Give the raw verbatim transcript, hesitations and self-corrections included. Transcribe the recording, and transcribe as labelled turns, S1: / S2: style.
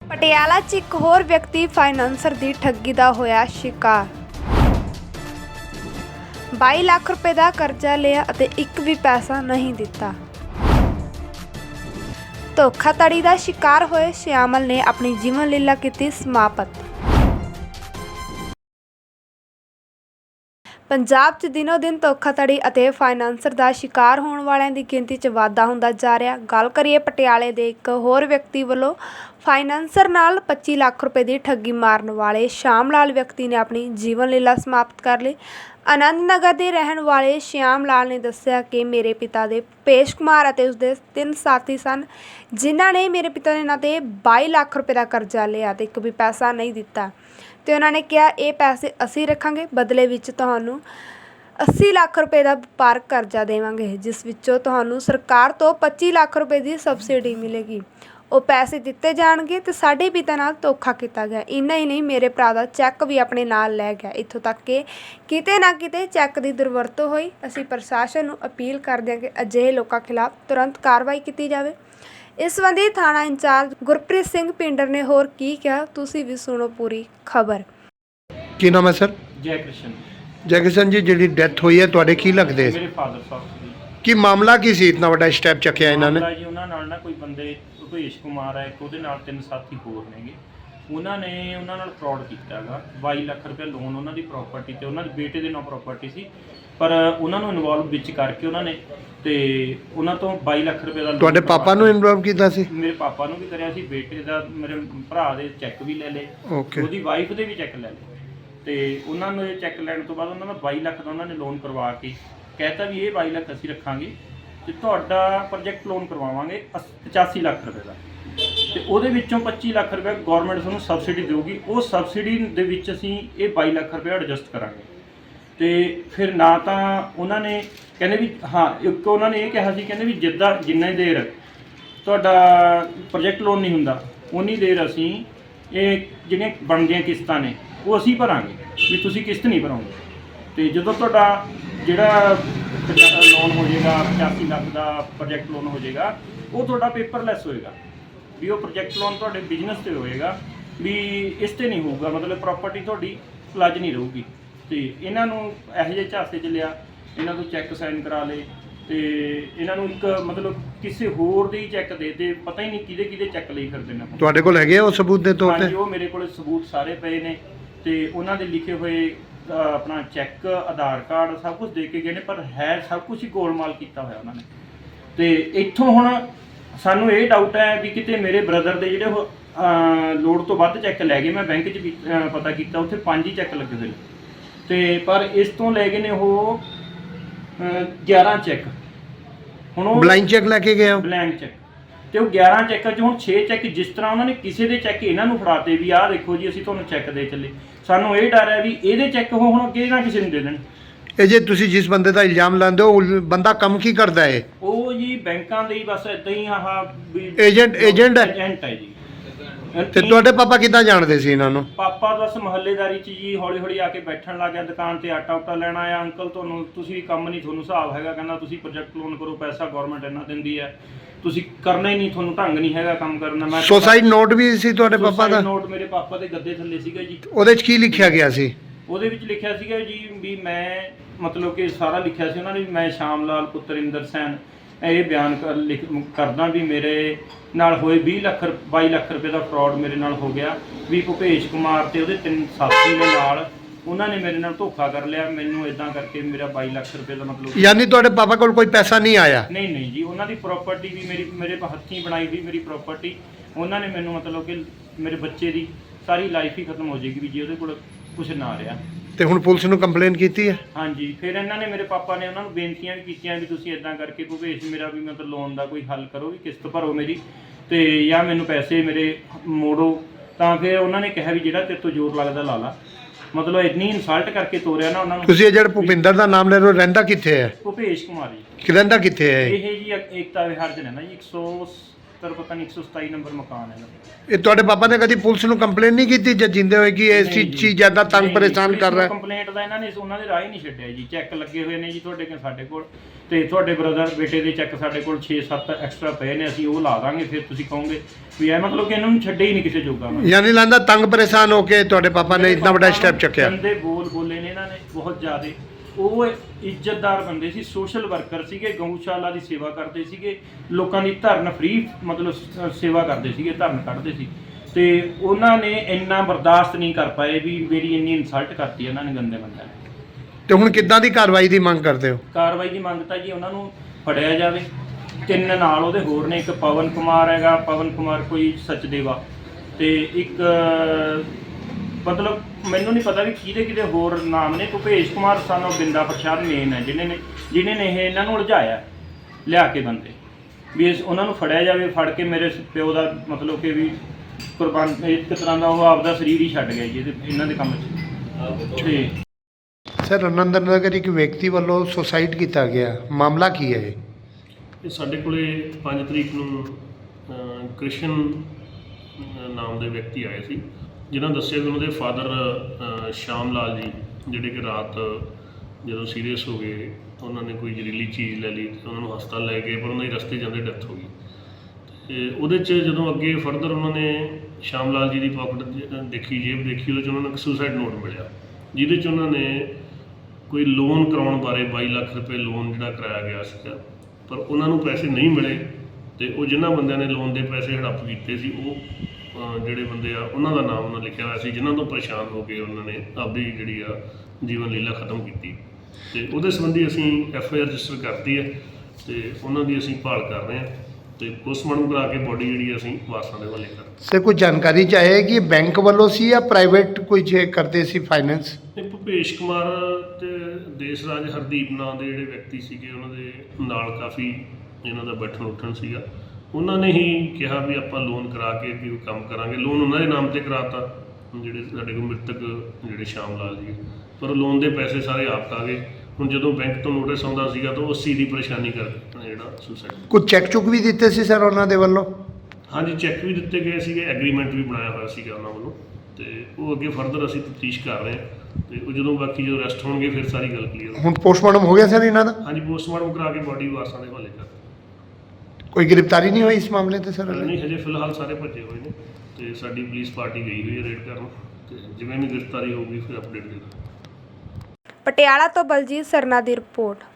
S1: ਪਟਿਆਲਾ 'ਚ ਇੱਕ ਹੋਰ ਵਿਅਕਤੀ ਫਾਈਨਾਂਸਰ ਦੀ ਠੱਗੀ ਦਾ ਹੋਇਆ ਸ਼ਿਕਾਰ। ਬਾਈ ਲੱਖ ਰੁਪਏ ਦਾ ਕਰਜ਼ਾ ਲਿਆ ਅਤੇ ਇੱਕ ਵੀ ਪੈਸਾ ਨਹੀਂ ਦਿੱਤਾ। ਧੋਖਾਧੜੀ ਦਾ ਸ਼ਿਕਾਰ ਹੋਏ ਸ਼ਿਆਮਲ ਨੇ ਆਪਣੀ ਜੀਵਨ ਲੀਲਾ ਕੀਤੀ ਸਮਾਪਤ। ਪੰਜਾਬ 'ਚ ਦਿਨੋ ਦਿਨ ਧੋਖਾਧੜੀ ਅਤੇ ਫਾਈਨਾਂਸਰ ਦਾ ਸ਼ਿਕਾਰ ਹੋਣ ਵਾਲਿਆਂ ਦੀ ਗਿਣਤੀ 'ਚ ਵਾਧਾ ਹੁੰਦਾ ਜਾ ਰਿਹਾ। ਗੱਲ ਕਰੀਏ ਪਟਿਆਲੇ ਦੇ ਇੱਕ ਹੋਰ ਵਿਅਕਤੀ ਵੱਲੋਂ ਫਾਈਨਾਂਸਰ ਨਾਲ ਪੱਚੀ ਲੱਖ ਰੁਪਏ ਦੀ ਠੱਗੀ ਮਾਰਨ ਵਾਲੇ ਸ਼ਾਮ ਲਾਲ ਵਿਅਕਤੀ ਨੇ ਆਪਣੀ ਜੀਵਨ ਲੀਲਾ ਸਮਾਪਤ ਕਰ ਲਈ। ਆਨੰਦ ਨਗਰ ਦੇ ਰਹਿਣ ਵਾਲੇ ਸ਼ਿਆਮ ਲਾਲ ਨੇ ਦੱਸਿਆ ਕਿ ਮੇਰੇ ਪਿਤਾ ਦੇ ਭੁਪੇਸ਼ ਕੁਮਾਰ ਅਤੇ ਉਸਦੇ ਤਿੰਨ ਸਾਥੀ ਸਨ, ਜਿਨ੍ਹਾਂ ਨੇ ਮੇਰੇ ਪਿਤਾ ਦੇ ਨਾਂ 'ਤੇ ਬਾਈ ਲੱਖ ਰੁਪਏ ਦਾ ਕਰਜ਼ਾ ਲਿਆ ਅਤੇ ਇੱਕ ਵੀ ਪੈਸਾ ਨਹੀਂ ਦਿੱਤਾ। ਤੇ ਉਹਨਾਂ ਨੇ ਕਿਹਾ ਇਹ ਪੈਸੇ ਅਸੀਂ ਰੱਖਾਂਗੇ, ਬਦਲੇ ਵਿੱਚ ਤੁਹਾਨੂੰ अस्सी ਲੱਖ ਰੁਪਏ ਦਾ ਵਪਾਰਕ ਕਰਜ਼ਾ ਦੇਵਾਂਗੇ, ਜਿਸ ਵਿੱਚੋਂ ਤੁਹਾਨੂੰ ਸਰਕਾਰ ਤੋਂ ਪੱਚੀ ਲੱਖ ਰੁਪਏ ਦੀ ਸਬਸਿਡੀ ਮਿਲੇਗੀ। ਉਹ ਪੈਸੇ ਦਿੱਤੇ ਜਾਣਗੇ ਤੇ ਸਾਡੇ ਪਿਤਾ ਨਾਲ ਧੋਖਾ ਕੀਤਾ ਗਿਆ। ਇੰਨਾ ਹੀ ਨਹੀਂ, ਮੇਰੇ ਭਰਾ ਦਾ ਚੈੱਕ ਵੀ ਆਪਣੇ ਨਾਲ ਲੈ ਗਿਆ। ਇੱਥੋਂ ਤੱਕ ਕਿ ਕਿਤੇ ਨਾ ਕਿਤੇ ਚੈੱਕ ਦੀ ਦੁਰਵਰਤੋਂ ਹੋਈ। ਅਸੀਂ ਪ੍ਰਸ਼ਾਸਨ ਨੂੰ ਅਪੀਲ ਕਰਦੇ ਹਾਂ ਕਿ ਅਜਿਹੇ ਲੋਕਾਂ ਖਿਲਾਫ ਤੁਰੰਤ ਕਾਰਵਾਈ ਕੀਤੀ ਜਾਵੇ। ਇਸ ਸੰਬੰਧੀ ਥਾਣਾ ਇੰਚਾਰਜ ਗੁਰਪ੍ਰੀਤ ਸਿੰਘ ਪਿੰਡਰ ਨੇ ਹੋਰ ਕੀ ਕਿਹਾ, ਤੁਸੀਂ ਵੀ ਸੁਣੋ ਪੂਰੀ ਖਬਰ।
S2: ਕੀ ਨਾਮ ਹੈ ਸਰ?
S3: ਜੈ ਕ੍ਰਿਸ਼ਨ।
S2: ਜੈ ਕਿਸ਼ਨ ਜੀ, ਜਿਹੜੀ ਡੈਥ ਹੋਈ ਹੈ ਤੁਹਾਡੇ ਕੀ ਲੱਗਦੇ?
S3: ਮੇਰੇ ਫਾਦਰ ਸਾਹਿਬ ਜੀ।
S2: ਕੀ ਮਾਮਲਾ ਕੀ ਸੀ ਇਤਨਾ ਵੱਡਾ ਸਟੈਪ ਚੱਕਿਆ ਇਹਨਾਂ ਨੇ?
S3: ਮਾਮਲਾ ਜੀ ਉਹਨਾਂ ਨਾਲ ਨਾ ਕੋਈ ਬੰਦੇ ਭੁਪੇਸ਼ ਕੁਮਾਰ ਹੈ, ਇੱਕ ਉਹਦੇ ਨਾਲ ਤਿੰਨ ਸਾਥੀ ਹੋਰ ਨੇਗੇ। ਉਹਨਾਂ ਨੇ ਉਹਨਾਂ ਨਾਲ ਫਰਾਡ ਕੀਤਾ ਹੈਗਾ। ਬਾਈ ਲੱਖ ਰੁਪਏ ਲੋਨ ਉਹਨਾਂ ਦੀ ਪ੍ਰਾਪਰਟੀ ਤੇ ਉਹਨਾਂ ਦੇ ਬੇਟੇ ਦੇ ਨਾਂ ਪ੍ਰਾਪਰਟੀ ਸੀ, ਪਰ ਉਹਨਾਂ ਨੂੰ ਇਨਵੋਲਵ ਵਿੱਚ ਕਰਕੇ ਉਹਨਾਂ ਨੇ ਤੇ ਉਹਨਾਂ ਤੋਂ ਬਾਈ ਲੱਖ ਰੁਪਏ ਦਾ।
S2: ਤੁਹਾਡੇ ਪਾਪਾ ਨੂੰ ਇਨਵੋਲਵ ਕੀਤਾ ਸੀ?
S3: ਮੇਰੇ ਪਾਪਾ ਨੂੰ ਵੀ ਕਰਿਆ ਸੀ, ਬੇਟੇ ਦਾ ਮੇਰੇ ਭਰਾ ਦੇ ਚੈੱਕ ਵੀ ਲੈ ਲਏ,
S2: ਓਕੇ।
S3: ਉਹਦੀ ਵਾਈਫ ਦੇ ਵੀ ਚੈੱਕ ਲੈ ਲਏ। ਤੇ ਉਹਨਾਂ ਨੂੰ ਇਹ ਚੈੱਕ ਲੈਣ ਤੋਂ ਬਾਅਦ ਉਹਨਾਂ ਦਾ ਬਾਈ ਲੱਖ ਦਾ ਉਹਨਾਂ ਨੇ ਲੋਨ ਕਰਵਾ ਕੇ ਕਹਿਤਾ ਵੀ ਇਹ ਬਾਈ ਲੱਖ ਅਸੀਂ ਰੱਖਾਂਗੇ ਤੇ ਤੁਹਾਡਾ ਪ੍ਰੋਜੈਕਟ ਲੋਨ ਕਰਵਾਵਾਂਗੇ ਪਚਾਸੀ ਲੱਖ ਰੁਪਏ ਦਾ, ਤੇ ਉਹਦੇ ਵਿੱਚੋਂ ਪੱਚੀ ਲੱਖ ਰੁਪਏ ਗਵਰਨਮੈਂਟ ਤੁਹਾਨੂੰ ਸਬਸਿਡੀ ਦੇਊਗੀ। ਉਹ ਸਬਸਿਡੀ ਦੇ ਵਿੱਚ ਅਸੀਂ ਇਹ ਬਾਈ ਲੱਖ ਰੁਪਏ ਐਡਜਸਟ ਕਰਾਂਗੇ। ਤੇ ਫਿਰ ਨਾ ਤਾਂ ਉਹਨਾਂ ਨੇ ਕਹਿੰਦੇ ਵੀ ਹਾਂ, ਇੱਕ ਉਹਨਾਂ ਨੇ ਇਹ ਕਿਹਾ ਸੀ, ਕਹਿੰਦੇ ਵੀ ਜਿੱਦਾਂ ਜਿੰਨਾ ਦੇਰ ਤੁਹਾਡਾ ਪ੍ਰੋਜੈਕਟ ਲੋਨ ਨਹੀਂ ਹੁੰਦਾ ਉਨੀ ਦੇਰ ਅਸੀਂ ਇਹ ਜਿਹੜੀਆਂ ਬਣਦੀਆਂ ਕਿਸ਼ਤਾਂ ਨੇ ਉਹ ਅਸੀਂ ਭਰਾਂਗੇ, ਵੀ ਤੁਸੀਂ ਕਿਸ਼ਤ ਨਹੀਂ ਭਰਾਉਂਗੇ। ਤੇ ਜਦੋਂ ਤੁਹਾਡਾ ਜਿਹੜਾ ਲੋਨ ਹੋ ਜਾਏਗਾ ਪਚਾਸੀ ਲੱਖ ਦਾ ਪ੍ਰੋਜੈਕਟ ਲੋਨ ਹੋ ਜਾਏਗਾ, ਉਹ ਤੁਹਾਡਾ ਪੇਪਰਲੈਸ ਹੋਏਗਾ, ਵੀ ਉਹ ਪ੍ਰੋਜੈਕਟ ਲੋਨ ਤੁਹਾਡੇ ਬਿਜ਼ਨਸ 'ਤੇ ਹੋਏਗਾ, ਵੀ ਇਸ 'ਤੇ ਨਹੀਂ ਹੋਊਗਾ, ਮਤਲਬ ਪ੍ਰੋਪਰਟੀ ਤੁਹਾਡੀ ਫਲੱਜ ਨਹੀਂ ਰਹੂਗੀ। ਤੇ ਇਹਨਾਂ ਨੂੰ ਇਹੋ ਜਿਹੇ ਝਾਂਸੇ 'ਚ ਲਿਆ, ਇਹਨਾਂ ਤੋਂ ਚੈੱਕ ਸਾਈਨ ਕਰਾ ਲਏ ਤੇ ਇਹਨਾਂ ਨੂੰ ਇੱਕ ਮਤਲਬ ਕਿਸੇ ਹੋਰ ਦੇ ਹੀ ਚੈੱਕ ਦੇ ਤੇ ਪਤਾ ਹੀ ਨਹੀਂ ਕਿਹਦੇ ਕਿਹਦੇ ਚੈੱਕ ਲਈ ਫਿਰਦੇ ਨੇ।
S2: ਤੁਹਾਡੇ ਕੋਲ ਹੈਗੇ ਉਹ ਸਬੂਤ ਦੇ ਤੌਰ ਤੇ?
S3: ਹਾਂਜੀ, ਉਹ ਮੇਰੇ ਕੋਲ ਸਬੂਤ ਸਾਰੇ ਪਏ ਨੇ ਤੇ ਉਹਨਾਂ ਦੇ ਲਿਖੇ ਹੋਏ ਆਪਣਾ ਚੈੱਕ, ਆਧਾਰ ਕਾਰਡ ਸਭ ਕੁਝ ਦੇ ਕੇ ਗਏ ਨੇ, ਪਰ ਹੈ ਸਭ ਕੁਝ ਹੀ ਗੋਲਮਾਲ ਕੀਤਾ ਹੋਇਆ ਉਹਨਾਂ ਨੇ। ਤੇ ਇੱਥੋਂ ਹੁਣ ਸਾਨੂੰ ਇਹ ਡਾਊਟ ਹੈ ਵੀ ਕਿਤੇ ਮੇਰੇ ਬ੍ਰਦਰ ਦੇ ਜਿਹੜੇ ਉਹ ਲੋੜ ਤੋਂ ਵੱਧ ਚੈੱਕ ਲੈ ਗਏ। ਮੈਂ ਬੈਂਕ 'ਚ ਵੀ ਪਤਾ ਕੀਤਾ, ਉੱਥੇ ਪੰਜ ਹੀ ਚੈੱਕ ਲੱਗੇ ਹੋਏ ਨੇ, ਤੇ ਪਰ ਇਸ ਤੋਂ ਲੈ ਗਏ ਨੇ ਉਹ ਗਿਆਰਾਂ ਚੈੱਕ। ਹੁਣ ਉਹ
S2: ਬਲਾਈਂਕ ਚੈੱਕ ਲੈ ਕੇ ਗਏ ਹੋ?
S3: ਬਲੈਂਕ ਚੈੱਕ, ਤੇ ਉਹ ਗਿਆਰਾਂ ਚੈੱਕਾਂ 'ਚ ਹੁਣ ਛੇ ਚੈੱਕ ਜਿਸ ਤਰ੍ਹਾਂ ਉਹਨਾਂ ਨੇ ਕਿਸੇ ਦੇ ਚੈੱਕ ਇਹਨਾਂ ਨੂੰ ਫੜਾਤੇ ਵੀ ਆਹ ਦੇਖੋ ਜੀ ਅਸੀਂ ਤੁਹਾਨੂੰ ਚੈੱਕ ਦੇ ਚੱਲੇ। ਸਾਨੂੰ ਇਹ ਡਰ ਹੈ ਵੀ ਇਹਦੇ ਚੈੱਕ ਉਹ ਹੁਣ ਅੱਗੇ ਨਾ ਕਿਸੇ ਨੂੰ ਦੇ ਦੇਣ।
S2: ਇਹ ਜੇ ਤੁਸੀਂ ਜਿਸ ਬੰਦੇ ਦਾ ਇਲਜ਼ਾਮ ਲਾਉਂਦੇ ਹੋ, ਉਹ ਬੰਦਾ ਕੰਮ ਕੀ ਕਰਦਾ ਹੈ?
S3: ਉਹ ਜੀ ਬੈਂਕਾਂ ਦੇ ਹੀ ਬਸ ਇਦਾਂ ਹੀ ਆਹ ਵੀ
S2: ਏਜੰਟ ਏਜੰਟ ਹੈ?
S3: ਏਜੰਟ ਹੈ ਜੀ।
S2: ਤੇ ਤੁਹਾਡੇ ਪਾਪਾ ਕਿੱਦਾਂ ਜਾਣਦੇ ਸੀ ਇਹਨਾਂ ਨੂੰ?
S3: ਪਾਪਾ ਬਸ ਮੁਹੱਲੇਦਾਰੀ 'ਚ ਜੀ ਹੌਲੀ ਹੌਲੀ ਆ ਕੇ ਬੈਠਣ ਲੱਗ ਗਿਆ, ਦੁਕਾਨ ਤੇ ਆਟਾ ਉਟਾ ਲੈਣ ਆਇਆ। ਅੰਕਲ ਤੁਹਾਨੂੰ ਤੁਸੀਂ ਕੰਮ ਨਹੀਂ, ਤੁਹਾਨੂੰ ਹਿਸਾਬ ਹੈਗਾ, ਕਹਿੰਦਾ ਤੁਸੀਂ ਪ੍ਰੋਜੈਕਟ ਲੋਨ ਕਰੋ, ਪੈਸਾ ਗਵਰਨਮੈਂਟ ਇੰਨਾ ਦਿੰਦੀ ਹੈ, ਤੁਸੀਂ ਕਰਨਾ ਹੀ ਨਹੀਂ, ਤੁਹਾਨੂੰ ਢੰਗ ਨਹੀਂ ਹੈਗਾ ਕੰਮ ਕਰਨਾ। ਮੈਂ
S2: ਸੁਸਾਈਡ ਨੋਟ ਵੀ ਸੀ ਤੁਹਾਡੇ ਪਾਪਾ ਦਾ?
S3: ਨੋਟ ਮੇਰੇ ਪਾਪਾ ਦੇ ਗੱਦੇ ਥੱਲੇ ਸੀਗਾ ਜੀ।
S2: ਉਹਦੇ 'ਚ ਕੀ ਲਿਖਿਆ ਗਿਆ ਸੀ?
S3: ਉਹਦੇ ਵਿੱਚ ਲਿਖਿਆ ਸੀਗਾ ਜੀ ਵੀ ਮੈਂ ਮਤਲਬ ਕਿ ਸਾਰਾ ਲਿਖਿਆ ਸੀ ਉਹਨਾਂ ਨੇ ਵੀ ਮੈਂ ਸ਼ਾਮ ਲਾਲ ਪੁੱਤਰ ਇੰਦਰ ਸੈਨ ਇਹ ਬਿਆਨ ਕਰ ਲਿਖ ਕਰਦਾ ਵੀ ਮੇਰੇ ਨਾਲ ਹੋਏ ਵੀਹ ਲੱਖ ਬਾਈ ਲੱਖ ਰੁਪਏ ਦਾ ਫਰਾਡ ਮੇਰੇ ਨਾਲ ਹੋ ਗਿਆ, ਵੀ ਭੁਪੇਸ਼ ਕੁਮਾਰ ਤੇ ਉਹਦੇ ਤਿੰਨ ਸਾਥੀ ਦੇ ਨਾਲ ਉਹਨਾਂ ਨੇ ਮੇਰੇ ਨਾਲ ਧੋਖਾ ਕਰ ਲਿਆ, ਮੈਨੂੰ ਇਦਾਂ ਕਰਕੇ ਮੇਰਾ ਬਾਈ ਲੱਖ ਰੁਪਏ ਦਾ ਮਤਲਬ।
S2: ਯਾਨੀ ਤੁਹਾਡੇ ਪਾਪਾ ਕੋਲ ਕੋਈ ਪੈਸਾ ਨਹੀਂ ਆਇਆ?
S3: ਨਹੀਂ ਨਹੀਂ ਜੀ, ਉਹਨਾਂ ਦੀ ਪ੍ਰਾਪਰਟੀ ਵੀ ਮੇਰੀ ਮੇਰੇ ਹੱਥੀਂ ਬਣਾਈ ਵੀ ਮੇਰੀ ਪ੍ਰਾਪਰਟੀ ਉਹਨਾਂ ਨੇ ਮੈਨੂੰ ਮਤਲਬ ਕਿ ਮੇਰੇ ਬੱਚੇ ਦੀ ਸਾਰੀ ਲਾਈਫ ਹੀ ਖਤਮ ਹੋ ਜਾਏਗੀ ਵੀ ਜੇ ਉਹਦੇ ਕੋਲ ਕੁਝ ਨਾ ਰਿਹਾ।
S2: ਤੇ ਹੁਣ ਪੁਲਿਸ ਨੂੰ ਕੰਪਲੇਂਟ ਕੀਤੀ ਹੈ?
S3: ਹਾਂਜੀ, ਫਿਰ ਇਹਨਾਂ ਨੇ ਮੇਰੇ ਪਾਪਾ ਨੇ ਉਹਨਾਂ ਨੂੰ ਬੇਨਤੀਆਂ ਵੀ ਕੀਤੀਆਂ ਵੀ ਤੁਸੀਂ ਇਦਾਂ ਕਰਕੇ ਭੁਪੇਸ਼ ਮੇਰਾ ਵੀ ਮਤਲਬ ਲੋਨ ਦਾ ਕੋਈ ਹੱਲ ਕਰੋ, ਵੀ ਕਿਸ਼ਤ ਭਰੋ ਮੇਰੀ ਤੇ ਜਾਂ ਮੈਨੂੰ ਪੈਸੇ ਮੇਰੇ ਮੋੜੋ। ਤਾਂ ਫਿਰ ਉਹਨਾਂ ਨੇ ਕਿਹਾ ਵੀ ਜਿਹੜਾ ਤੇਰੇ ਤੋਂ ਜ਼ੋਰ ਲੱਗਦਾ ਲਾ ਲਾ, ਮਤਲਬ ਇੰਨੀ ਇਨਸਲਟ ਕਰਕੇ ਤੋਰਿਆ ਨਾ ਉਹਨਾਂ ਨੂੰ।
S2: ਤੁਸੀਂ ਇਹ ਜਿਹੜਾ ਭੁਪਿੰਦਰ ਦਾ ਨਾਮ ਲੈ ਰਹੇ ਹੋ, ਰਹਿੰਦਾ ਕਿੱਥੇ ਹੈ?
S3: ਭੁਪੇਸ਼ ਕੁਮਾਰ ਜੀ।
S2: ਰਹਿੰਦਾ ਕਿੱਥੇ ਹੈ
S3: ਇਹ ਜੀ ਏਕਤਾ ਵਿਹਾਰ 'ਚ ਰਹਿੰਦਾ ਜੀ, ਇੱਕ ਸੌ ਸੱਤਰ ਪਤਾ ਨਹੀਂ ਇੱਕ ਸੌ ਸਤਾਈ ਨੰਬਰ ਮਕਾਨ ਹੈ ਇਹਨਾਂ ਦਾ।
S2: ਇਹ ਤੁਹਾਡੇ ਪਾਪਾ ਨੇ ਕਦੀ ਪੁਲਿਸ ਨੂੰ ਕੰਪਲੇਂਟ ਨਹੀਂ ਕੀਤੀ ਜਦ ਜਿੰਦੇ ਹੋਏ ਕਿ ਇਸ
S3: ਨਹੀਂ ਜੀ,
S2: ਚੀਜ਼ ਜ਼ਿਆਦਾ ਤੰਗ
S3: ਨਹੀਂ ਜੀ,
S2: ਪਰੇਸ਼ਾਨ
S3: ਪੁਲਿਸ
S2: ਕਰ
S3: ਨੂੰ
S2: ਰਿਹਾ ਹੈ?
S3: ਕੰਪਲੇਂਟ ਦਾ ਇਹਨਾਂ ਨੇ ਉਹਨਾਂ ਦੇ ਰਾਹ ਹੀ ਨਹੀਂ ਛੱਡਿਆ ਜੀ। ਚੈੱਕ ਲੱਗੇ ਹੋਏ ਨੇ ਜੀ ਤੁਹਾਡੇ ਕੋਲ, ਸਾਡੇ ਕੋਲ, ਤੇ ਤੁਹਾਡੇ ਬ੍ਰਦਰ ਬੇਟੇ ਦੇ ਚੈੱਕ ਸਾਡੇ ਕੋਲ ਛੇ ਸੱਤ ਐਕਸਟਰਾ ਪਏ ਨੇ, ਅਸੀਂ ਉਹ ਲਾ ਦਾਂਗੇ। ਫਿਰ ਤੁਸੀਂ ਕਹੋਗੇ ਵੀ ਇਹ ਮਤਲਬ ਕਿ ਇਹਨਾਂ ਨੂੰ ਛੱਡੇ ਹੀ ਨਹੀਂ ਕਿਸੇ ਜੋਗਾ।
S2: ਯਾਨੀ ਲੱਗਦਾ ਤੰਗ ਪਰੇਸ਼ਾਨ ਹੋ ਕੇ ਤੁਹਾਡੇ ਪਾਪਾ ਨੇ ਇਤਨਾ ਵੱਡਾ ਸਟੈਪ ਚੱਕਿਆ।
S3: ਬੰਦੇ ਬੋਲ ਬੋਲੇ ਨੇ ਇਹਨਾਂ ਨੇ ਬਹੁਤ ਜ਼ਿਆਦਾ। ਉਹ ਇੱਜ਼ਤਦਾਰ ਬੰਦੇ ਸੀ, ਸੋਸ਼ਲ ਵਰਕਰ ਸੀਗੇ, ਗਊਸ਼ਾਲਾ ਦੀ ਸੇਵਾ ਕਰਦੇ ਸੀਗੇ, ਲੋਕਾਂ ਦੀ ਧਰਨ ਫ੍ਰੀ ਮਤਲਬ ਸ- ਸੇਵਾ ਕਰਦੇ ਸੀਗੇ, ਧਰਨ ਕੱਢਦੇ ਸੀ। ਤੇ ਉਹਨਾਂ ਨੇ ਇੰਨਾ ਬਰਦਾਸ਼ਤ ਨਹੀਂ ਕਰ ਪਾਏ ਵੀ ਮੇਰੀ ਇੰਨੀ ਇਨਸਲਟ ਕਰਤੀ ਇਹਨਾਂ ਨੇ ਗੰਦੇ ਬੰਦਿਆਂ ਨੇ।
S2: ਤੇ ਹੁਣ ਕਿੱਦਾਂ ਦੀ ਕਾਰਵਾਈ ਦੀ ਮੰਗ ਕਰਦੇ ਹੋ?
S3: ਕਾਰਵਾਈ ਦੀ ਮੰਗ ਤਾਂ ਜੀ ਉਹਨਾਂ ਨੂੰ ਫੜਿਆ ਜਾਵੇ। ਤਿੰਨ ਨਾਲ ਉਹਦੇ ਹੋਰ ਨੇ, ਇੱਕ ਪਵਨ ਕੁਮਾਰ ਹੈਗਾ, ਪਵਨ ਕੁਮਾਰ ਕੋਈ ਸਚਦੇਵਾ, ਤੇ ਇੱਕ ਮਤਲਬ ਮੈਨੂੰ ਨਹੀਂ ਪਤਾ ਵੀ ਕਿਹਦੇ ਕਿਹਦੇ ਹੋਰ ਨਾਮ ਨੇ। ਭੁਪੇਸ਼ ਕੁਮਾਰ ਸਾਨੂੰ ਬਿੰਦਾ ਪ੍ਰਸ਼ਾਦ ਮੇਨ ਹੈ ਜਿਹਨੇ ਨੇ ਜਿਹਨੇ ਨੇ ਇਹ ਇਹਨਾਂ ਨੂੰ ਉਲਝਾਇਆ ਲਿਆ ਕੇ ਬੰਦੇ ਵੀ ਇਸ ਉਹਨਾਂ ਨੂੰ ਫੜਿਆ ਜਾਵੇ। ਫੜ ਕੇ ਮੇਰੇ ਪਿਓ ਦਾ ਮਤਲਬ ਕਿ ਵੀ ਕੁਰਬਾਨ ਇੱਕ ਤਰ੍ਹਾਂ ਦਾ ਉਹ ਆਪਦਾ ਸਰੀਰ ਹੀ ਛੱਡ ਗਿਆ ਜੀ ਇਹਦੇ ਇਹਨਾਂ ਦੇ ਕੰਮ 'ਚ। ਤੇ
S2: ਸਰ ਆਨੰਦ ਨਗਰ ਇੱਕ ਵਿਅਕਤੀ ਵੱਲੋਂ ਸੁਸਾਈਡ ਕੀਤਾ ਗਿਆ, ਮਾਮਲਾ ਕੀ ਹੈ ਇਹ?
S4: ਇਹ ਸਾਡੇ ਕੋਲੇ ਪੰਜ ਤਰੀਕ ਨੂੰ ਅ, ਕ੍ਰਿਸ਼ਨ ਅ, ਨਾਮ ਦੇ ਵਿਅਕਤੀ ਆਏ ਸੀ, ਜਿਨ੍ਹਾਂ ਦੱਸਿਆ ਕਿ ਉਹਨਾਂ ਦੇ ਫਾਦਰ ਸ਼ਾਮ ਲਾਲ ਜੀ ਜਿਹੜੇ ਕਿ ਰਾਤ ਜਦੋਂ ਸੀਰੀਅਸ ਹੋ ਗਏ, ਉਹਨਾਂ ਨੇ ਕੋਈ ਜ਼ਹਿਰੀਲੀ ਚੀਜ਼ ਲੈ ਲਈ ਤੇ ਉਹਨਾਂ ਨੂੰ ਹਸਪਤਾਲ ਲੈ ਗਏ, ਪਰ ਉਹਨਾਂ ਦੀ ਰਸਤੇ ਜਾਂਦੇ ਡੈਥ ਹੋ ਗਈ। ਤੇ ਉਹਦੇ 'ਚ ਜਦੋਂ ਅੱਗੇ ਫਰਦਰ ਉਹਨਾਂ ਨੇ ਸ਼ਾਮ ਲਾਲ ਜੀ ਦੀ ਪਾਕਟ ਦੇਖੀ, ਜੇਬ ਦੇਖੀ, ਉਹਦੇ 'ਚ ਉਹਨਾਂ ਨੂੰ ਇੱਕ ਸੁਸਾਈਡ ਨੋਟ ਮਿਲਿਆ, ਜਿਹਦੇ 'ਚ ਉਹਨਾਂ ਨੇ ਕੋਈ ਲੋਨ ਕਰਾਉਣ ਬਾਰੇ ਬਾਈ ਲੱਖ ਰੁਪਏ ਲੋਨ ਜਿਹੜਾ ਕਰਾਇਆ ਗਿਆ ਸੀਗਾ, ਪਰ ਉਹਨਾਂ ਨੂੰ ਪੈਸੇ ਨਹੀਂ ਮਿਲੇ। ਤੇ ਉਹ ਜਿਨ੍ਹਾਂ ਬੰਦਿਆਂ ਨੇ ਲੋਨ ਦੇ ਪੈਸੇ ਹੜੱਪ ਕੀਤੇ ਸੀ, ਉਹ ਅ, ਜਿਹੜੇ ਬੰਦੇ ਆ ਉਹਨਾਂ ਦਾ ਨਾਮ ਉਹਨਾਂ ਲਿਖਿਆ ਹੋਇਆ ਸੀ, ਜਿਨ੍ਹਾਂ ਤੋਂ ਪਰੇਸ਼ਾਨ ਹੋ ਕੇ ਉਹਨਾਂ ਨੇ ਆਪਦੀ ਜਿਹੜੀ ਆ ਜੀਵਨ ਲੀਲਾ ਖਤਮ ਕੀਤੀ। ਤੇ ਉਹਦੇ ਸੰਬੰਧੀ ਅਸੀਂ ਐਫ ਆਈ ਆਰ ਰਜਿਸਟਰ ਕਰਤੀ ਹੈ ਤੇ ਉਹਨਾਂ ਦੀ ਅਸੀਂ ਭਾਲ ਕਰ ਰਹੇ ਹਾਂ ਤੇ ਪੋਸਟਮਾਰਟਮ ਕਰਾ ਕੇ ਬੋਡੀ ਜਿਹੜੀ ਅਸੀਂ ਵਾਰਸਾਂ ਦੇ ਹਵਾਲੇ ਕਰ।
S2: ਸਰ ਕੋਈ ਜਾਣਕਾਰੀ ਚਾਹੇ ਕਿ ਬੈਂਕ ਵੱਲੋਂ ਸੀ ਜਾਂ ਪ੍ਰਾਈਵੇਟ ਕੋਈ ਜੇ ਕਰਦੇ ਸੀ ਫਾਈਨੈਂਸ?
S4: ਤੇ ਭੁਪੇਸ਼ ਕੁਮਾਰ ਤੇ ਦੇਸ਼ਰਾਜ ਹਰਦੀਪ ਨਾਂ ਦੇ ਜਿਹੜੇ ਵਿਅਕਤੀ ਸੀਗੇ, ਉਹਨਾਂ ਦੇ ਨਾਲ ਕਾਫੀ ਇਹਨਾਂ ਦਾ ਬੈਠਣ ਉੱਠਣ ਸੀਗਾ। ਉਹਨਾਂ ਨੇ ਹੀ ਕਿਹਾ ਵੀ ਆਪਾਂ ਲੋਨ ਕਰਾ ਕੇ ਵੀ ਕੰਮ ਕਰਾਂਗੇ। ਲੋਨ ਉਹਨਾਂ ਦੇ ਨਾਮ ਤੇ ਕਰਾਤਾ, ਜਿਹੜੇ ਸਾਡੇ ਕੋਲ ਮ੍ਰਿਤਕ ਜਿਹੜੇ ਸ਼ਾਮ ਲਾਲ ਜੀ, ਪਰ ਲੋਨ ਦੇ ਪੈਸੇ ਸਾਰੇ ਆਪ ਆ ਗਏ। ਹੁਣ ਜਦੋਂ ਬੈਂਕ ਤੋਂ ਨੋਟਿਸ ਆਉਂਦਾ ਸੀਗਾ ਤਾਂ ਉਹ ਅੱਸੀ ਦੀ ਪਰੇਸ਼ਾਨੀ ਕਰਕੇ ਜਿਹੜਾ ਸੁਸਾਈਡ।
S2: ਕੁਝ ਚੈੱਕ ਚੁੱਕ ਵੀ ਦਿੱਤੇ ਸੀ ਸਰ ਉਹਨਾਂ ਦੇ ਵੱਲੋਂ?
S4: ਹਾਂਜੀ, ਚੈੱਕ ਵੀ ਦਿੱਤੇ ਗਏ ਸੀਗੇ, ਐਗਰੀਮੈਂਟ ਵੀ ਬਣਾਇਆ ਹੋਇਆ ਸੀਗਾ ਉਹਨਾਂ ਵੱਲੋਂ, ਤੇ ਉਹ ਅੱਗੇ ਫਰਦਰ ਅਸੀਂ ਤਫਤੀਸ਼ ਕਰ ਰਹੇ ਹਾਂ। ਤੇ ਉਹ ਜਦੋਂ ਬਾਕੀ ਜਦੋਂ ਅਰੈਸਟ ਹੋਣਗੇ ਫਿਰ ਸਾਰੀ ਗੱਲ ਕਲੀਅਰ।
S2: ਹੁਣ ਪੋਸਟਮਾਰਟਮ ਹੋ ਗਿਆ ਸਰ ਇਹਨਾਂ ਦਾ?
S4: ਹਾਂਜੀ, ਪੋਸਟਮਾਰਟਮ ਕਰਾ ਕੇ ਬਾਡੀ ਵਾਰਸਾਂ ਦੇ ਹਵਾਲੇ ਕਰ।
S2: ਕੋਈ ਗ੍ਰਿਫਤਾਰੀ ਨਹੀਂ ਹੋਈ ਇਸ ਮਾਮਲੇ ਤੇ ਸਰ?
S4: ਨਹੀਂ, ਹਜੇ ਫਿਲਹਾਲ ਸਾਰੇ ਭੱਜੇ ਹੋਏ ਨੇ ਤੇ ਸਾਡੀ ਪੁਲਿਸ ਪਾਰਟੀ ਗਈ ਹੋਈ ਹੈ ਰੇਡ ਕਰਨ, ਤੇ ਜਿਵੇਂ ਵੀ ਗ੍ਰਿਫਤਾਰੀ ਹੋਊਗੀ ਫਿਰ ਅਪਡੇਟ ਦੇ ਦਾਂਗੇ।
S1: ਪਟਿਆਲਾ ਤੋਂ ਬਲਜੀਤ ਸਰਨਾ ਦੀ ਰਿਪੋਰਟ।